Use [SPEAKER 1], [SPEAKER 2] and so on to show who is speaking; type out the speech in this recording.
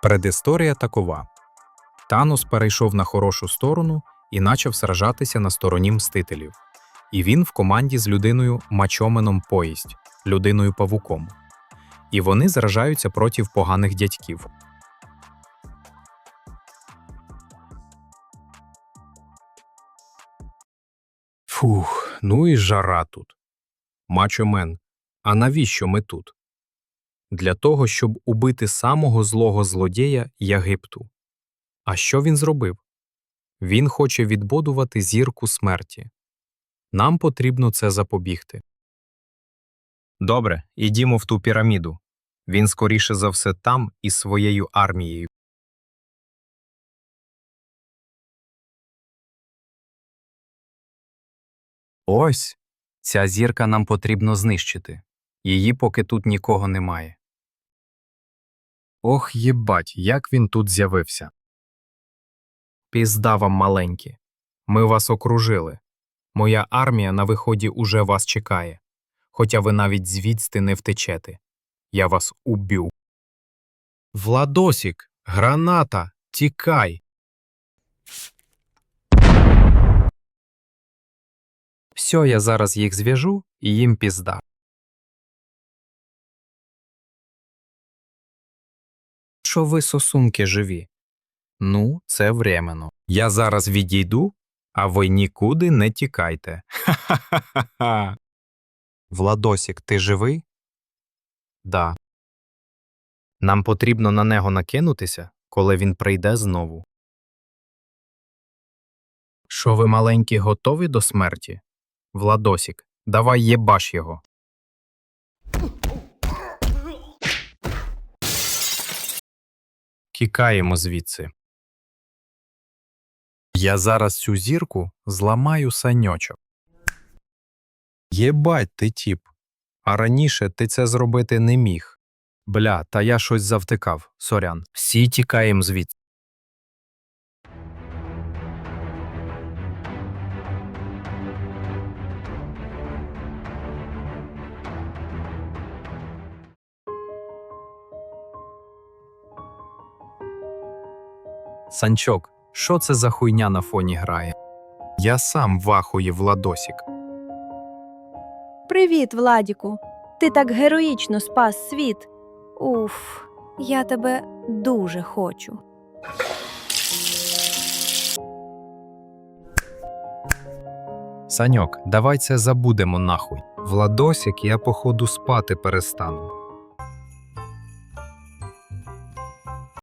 [SPEAKER 1] Предісторія такова. Танос перейшов на хорошу сторону і почав сражатися на стороні Мстителів. І він в команді з людиною Мачоменом Поїсть, людиною-павуком. І вони зражаються проти поганих дядьків. Фух, ну і жара тут. Мачомен, а навіщо ми тут? Для того, щоб убити самого злого злодія Єгипту. А що він зробив? Він хоче відбудувати зірку смерті. Нам потрібно це запобігти. Добре, ідімо в ту піраміду. Він скоріше за все там із своєю армією. Ось, ця зірка нам потрібно знищити. Її поки тут нікого немає. Ох, єбать, як він тут з'явився. Пізда вам маленькі. Ми вас окружили. Моя армія на виході уже вас чекає. Хоча ви навіть звідси не втечете. Я вас уб'ю. Владосік, граната, тікай. Все, я зараз їх зв'яжу і їм пізда. Що ви сосунки живі? Ну, це временно. Я зараз відійду, а ви нікуди не тікайте. Ха-ха-ха-ха. Владосік, ти живий? Да. Нам потрібно на нього накинутися, коли він прийде знову. Що ви, маленькі, готові до смерті? Владосік, давай єбаш його. Тікаємо звідси. Я зараз цю зірку зламаю саньочок. Єбать ти, тіп. А раніше ти це зробити не міг. Бля, та я щось завтикав, сорян. Всі тікаємо звідси. Санчок, що це за хуйня на фоні грає? Я сам в ахуї, Владосік.
[SPEAKER 2] Привіт, Владіку. Ти так героїчно спас світ. Уф, я тебе дуже хочу.
[SPEAKER 1] Саньок, давай це забудемо нахуй. Владосік, я походу спати перестану.